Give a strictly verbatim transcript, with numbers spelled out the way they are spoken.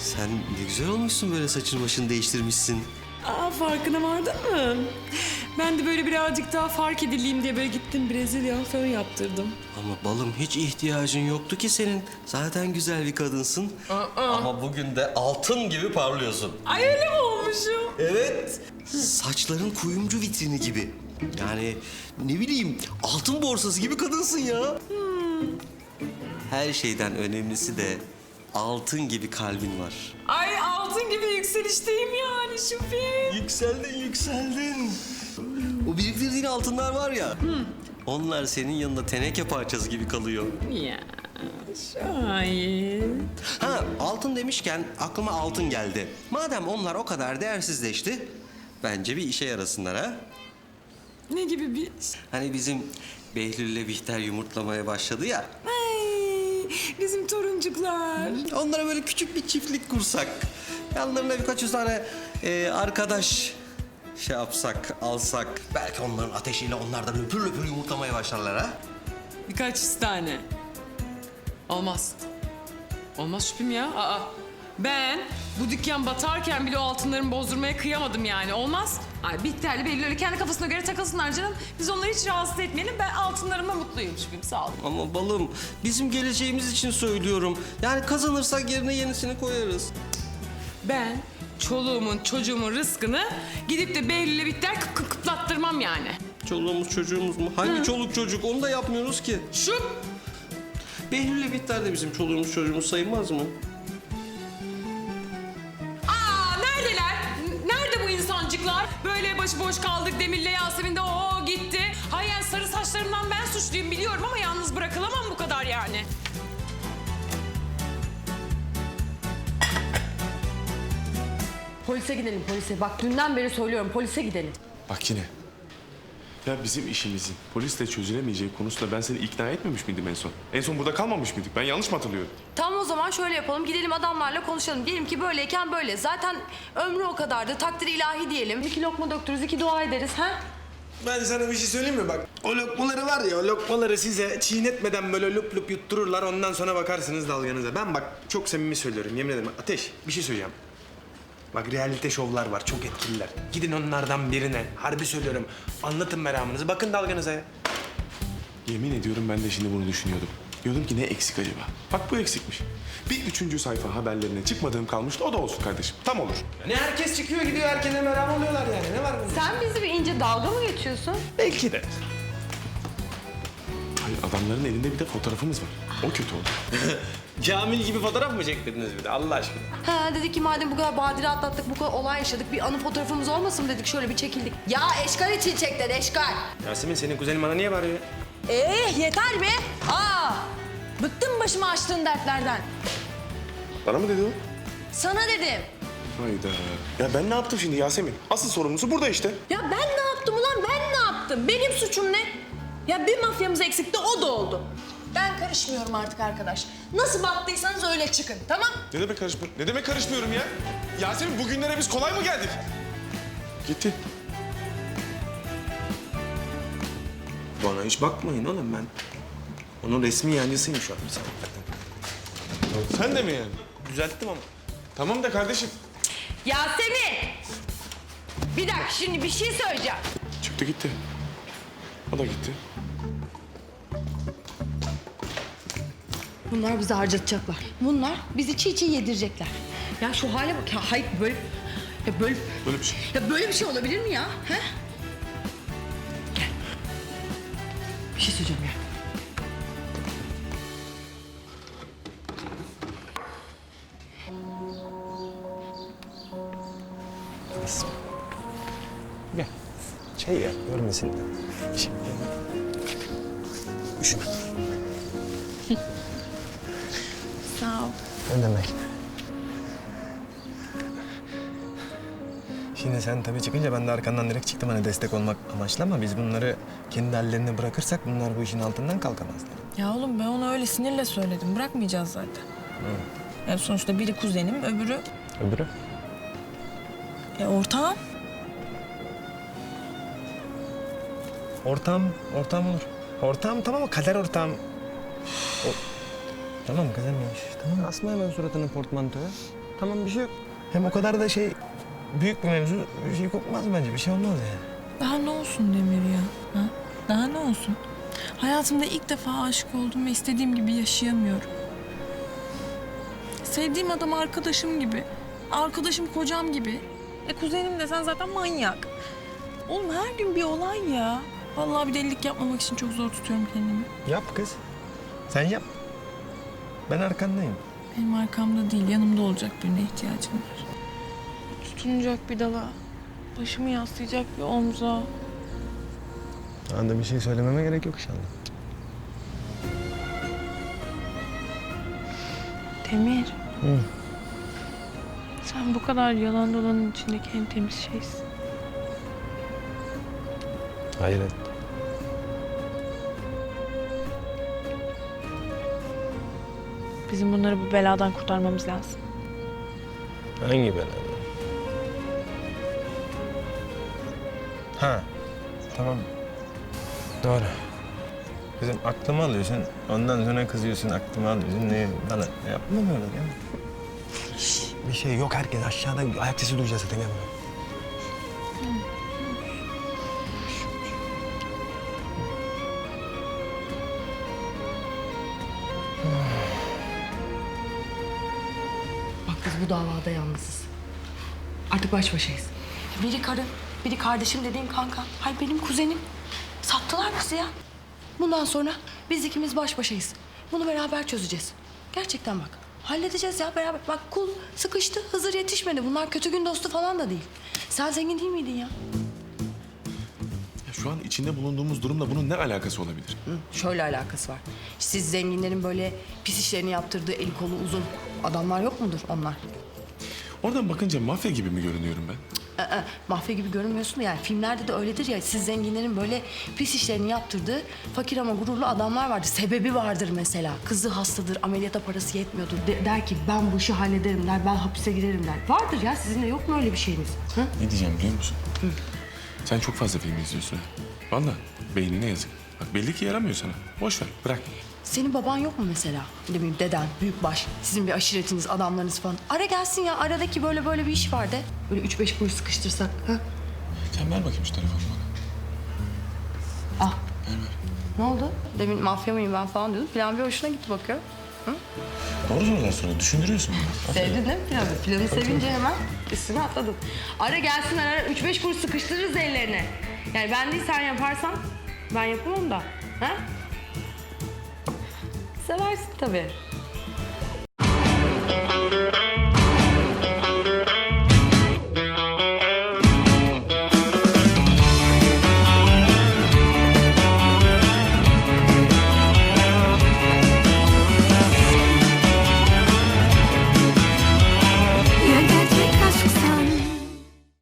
Sen ne güzel olmuşsun, böyle saçını başını değiştirmişsin. Aa, farkına vardın mı? Ben de böyle birazcık daha fark edileyim diye böyle gittim Brezilya fön yaptırdım. Ama balım, hiç ihtiyacın yoktu ki senin. Zaten güzel bir kadınsın. Aa. Ama bugün de altın gibi parlıyorsun. Ay, öyle mi olmuşum? Evet. Saçların kuyumcu vitrini gibi. Yani ne bileyim, altın borsası gibi kadınsın ya. Hmm. Her şeyden önemlisi de altın gibi kalbin var. Ay, altın gibi yükselişteyim yani Şüphi. Yükseldin, yükseldin. O biriktirdiğin altınlar var ya, onlar senin yanında teneke parçası gibi kalıyor. Ya şahit. Ha, altın demişken aklıma altın geldi. Madem onlar o kadar değersizleşti, bence bir işe yarasınlar ha. Ne gibi bir... Hani bizim Behlül'le Bihter yumurtlamaya başladı ya. Ay, bizim toruncuklar. Onlara böyle küçük bir çiftlik kursak. Yanlarına birkaç yüz tane e, arkadaş şey yapsak, alsak. Belki onların ateşiyle onlar da löpür löpür yumurtlamaya başlarlar ha. Birkaç yüz tane. Olmaz. Olmaz Şüphim ya. Aa, ben bu dükkan batarken bile o altınlarımı bozdurmaya kıyamadım yani. Olmaz. Ay, Bihter'le belli öyle kendi kafasına göre takılsınlar canım. Biz onları hiç rahatsız etmeyelim. Ben altınlarımla mutluyum Şüphim. Sağ olun. Ama balım, bizim geleceğimiz için söylüyorum. Yani kazanırsak yerine yenisini koyarız. Ben çoluğumun, çocuğumun rızkını gidip de Behlül'le Bihter kıp kıp kıplattırmam yani. Çoluğumuz çocuğumuz mu? Hangi çoluk çocuk? Onu da yapmıyoruz ki. Şu Behlül'le Bihter de bizim çoluğumuz çocuğumuz sayılmaz mı? Aa, neredeler? N- Nerede bu insancıklar? Böyle başıboş kaldık Demir'le Yasemin de o gitti. Hayır, yani sarı saçlarımdan ben suçluyum biliyorum ama yalnız bırakılamam bu kadar yani. Polise gidelim polise. Bak dünden beri söylüyorum polise gidelim. Bak yine. Ya bizim işimizin polisle çözülemeyeceği konusunda ben seni ikna etmemiş miydim en son? En son burada kalmamış mıydık? Ben yanlış mı hatırlıyorum? Tamam, o zaman şöyle yapalım. Gidelim adamlarla konuşalım. Diyelim ki böyleyken böyle. Zaten ömrü o kadardı. Takdir ilahi diyelim. İki lokma döktürürüz, iki dua ederiz. Ha? Ben sana bir şey söyleyeyim mi bak? O lokmaları var ya, o lokmaları size çiğnetmeden böyle lup lup yuttururlar. Ondan sonra bakarsınız dalganıza. Ben bak çok samimi söylüyorum, yemin ederim. Ateş, bir şey söyleyeceğim. Bak realite şovlar var, çok etkililer. Gidin onlardan birine, harbi söylüyorum. Anlatın meramınızı, bakın dalganıza ya. Yemin ediyorum ben de şimdi bunu düşünüyordum. Diyordum ki ne eksik acaba? Bak bu eksikmiş. Bir üçüncü sayfa haberlerine çıkmadığım kalmıştı, o da olsun kardeşim. Tam olur. Ne herkes çıkıyor gidiyor, herkese meram oluyorlar yani. Ne var bunda? Sen bizi bir ince dalga mı geçiyorsun? Belki de. Hayır, adamların elinde bir de fotoğrafımız var. O kötü oldu. Kamil gibi fotoğraf mı çektirdiniz bir de Allah aşkına? Ha, dedik ki madem bu kadar badire atlattık, bu kadar olay yaşadık, bir anı fotoğrafımız olmasın mı dedik, şöyle bir çekildik. Ya eşkal için çekler, eşkal. Yasemin, senin kuzenin bana niye bağırıyor? Eh yeter be. Aa, bıktım başıma açtığın dertlerden. Bana mı dedi o? Sana dedim. Hayda. Ya ben ne yaptım şimdi Yasemin? Asıl sorumlusu burada işte. Ya ben ne yaptım ulan, ben ne yaptım? Benim suçum ne? Ya bir mafyamız eksikti, o da oldu. Ben karışmıyorum artık arkadaş. Nasıl baktıysanız öyle çıkın, tamam? Ne demek karışmıyorum? Ne demek karışmıyorum ya? Yasemin, bugünlere biz kolay mı geldik? Gitti. Bana hiç bakmayın oğlum, ben onun resmi yancısıyım şu an. Sen de mi yani? Düzelttim ama. Tamam da kardeşim. Yasemin! Bir dakika, şimdi bir şey söyleyeceğim. Çıktı gitti. O da gitti. Bunlar bizi harcatacaklar. Bunlar bizi çiğ çiğ yedirecekler. Ya şu hale bak ya, hayır böyle... Ya böyle... Böyle bir şey. Ya böyle bir şey olabilir mi ya? He? Gel. Bir şey söyleyeceğim ya. Gel. Şey ya, görmesin. Şey, üşüme. Sağ ol. Ne demek? Şimdi sen tabii çıkınca ben de arkandan direkt çıktım hani destek olmak amaçlı, ama biz bunları kendi hallerine bırakırsak bunlar bu işin altından kalkamazlar. Ya oğlum ben ona öyle sinirle söyledim. Bırakmayacağız zaten. Yani sonuçta biri kuzenim, öbürü Öbürü? e, ortağım. Ortam, ortam olur. Ortam tamam ama kader ortam. O... Tamam kızım ya. Tamam, asma hemen suratını portmantoya. Tamam bir şey yok. Hem o kadar da şey büyük bir mevzu bir şey kopmaz bence. Bir şey olmaz yani. Daha ne olsun Demir ya? Ha? Daha ne olsun? Hayatımda ilk defa aşık oldum ve istediğim gibi yaşayamıyorum. Sevdiğim adam arkadaşım gibi. Arkadaşım kocam gibi. E kuzenim desen zaten manyak. Oğlum her gün bir olay ya. Vallahi bir delilik yapmamak için çok zor tutuyorum kendimi. Yap kız. Sen yap. Ben arkandayım. Benim arkamda değil, yanımda olacak birine ihtiyacım var. Tutunacak bir dala. Başımı yaslayacak bir omza. Anda bir şey söylememe gerek yok inşallah. Demir. Hı. Sen bu kadar yalan dolanın içindeki en temiz şeysin. Hayret. Bizim bunları bu beladan kurtarmamız lazım. Hangi bela? Ha. Tamam. Doğru. Kızım aklımı alıyorsun. Ondan sonra kızıyorsun, aklımı alıyorsun. Ne bana yapma böyle ya. Bir şey yok, herkes aşağıda ayak sesi duyacağız zaten ya bunu. Bak biz bu davada yalnızız. Artık baş başayız. Biri karın, biri kardeşim dediğin kanka. Hayır benim kuzenim. Sattılar bizi ya. Bundan sonra biz ikimiz baş başayız. Bunu beraber çözeceğiz. Gerçekten bak. Halledeceğiz ya beraber. Bak kul sıkıştı, Hızır yetişmedi. Bunlar kötü gün dostu falan da değil. Sen zengin değil miydin ya? Ya şu an içinde bulunduğumuz durumla bunun ne alakası olabilir? Hı, şöyle alakası var. Siz zenginlerin böyle pis işlerini yaptırdığı eli kolu uzun adamlar yok mudur onlar? Oradan bakınca mafya gibi mi görünüyorum ben? Ee, mafya gibi görünmüyorsun da yani filmlerde de öyledir ya, siz zenginlerin böyle pis işlerini yaptırdığı fakir ama gururlu adamlar vardır. Sebebi vardır mesela. Kızı hastadır, ameliyata parası yetmiyordur. De- der ki ben bu işi hallederim der, ben hapise girerim der. Vardır ya, sizin de yok mu öyle bir şeyiniz? Hı? Ne diyeceğim biliyor musun? Sen çok fazla film izliyorsun ha. Vallahi beynine yazık. Bak belli ki yaramıyor sana. Boş ver, bırak. Senin baban yok mu mesela? Ne bileyim deden, büyükbaş, sizin bir aşiretiniz, adamlarınız falan. Ara gelsin ya, aradaki böyle böyle bir iş var de. Böyle üç beş kuruş sıkıştırsak. Ha? Sen ver bakayım şu telefonu bana. Ah. Ne oldu? Demin mafya mıyım ben falan diyordun. Plan bir hoşuna gitti bakıyor. Doğru sorular soruyor, düşündürüyorsun beni. Sevdin değil mi planı? Planı sevince hemen üstüne atladın. Ara gelsin ara, üç beş kuruş sıkıştırırız ellerine. Yani ben değil sen yaparsan ben yapamam da. Ha? Seversin tabii.